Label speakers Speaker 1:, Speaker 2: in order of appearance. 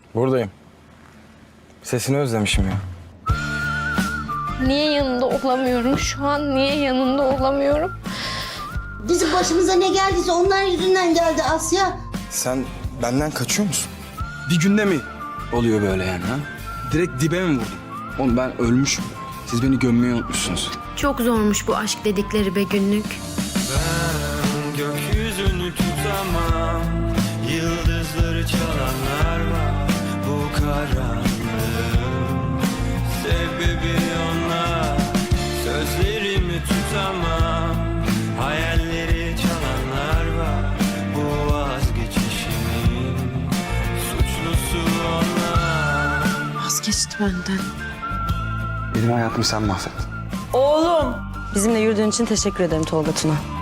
Speaker 1: Buradayım. Sesini özlemişim ya.
Speaker 2: Niye yanında olamıyorum şu an? Niye yanında olamıyorum?
Speaker 3: Bizim başımıza ne geldiyse onlar yüzünden geldi Asya.
Speaker 1: Sen benden kaçıyor musun? Bir günde mi oluyor böyle yani ha? Direkt dibe mi vurdun? Oğlum ben ölmüşüm. Siz beni gömmeyi unutmuşsunuz.
Speaker 4: Çok zormuş bu aşk dedikleri be günlük.
Speaker 5: Ben gökyüzünü tutamam. Yıldızları çalanlar var. Bu karanlığın sebebi onlar. Sözlerimi tutamam. Hayalleri çalanlar var. Bu vazgeçişimin suçlusu onlar.
Speaker 4: Vazgeçti benden.
Speaker 1: Benim hayatımı sen mahvettin.
Speaker 6: Oğlum. Bizimle yürüdüğün için teşekkür ederim Tolga Tuna.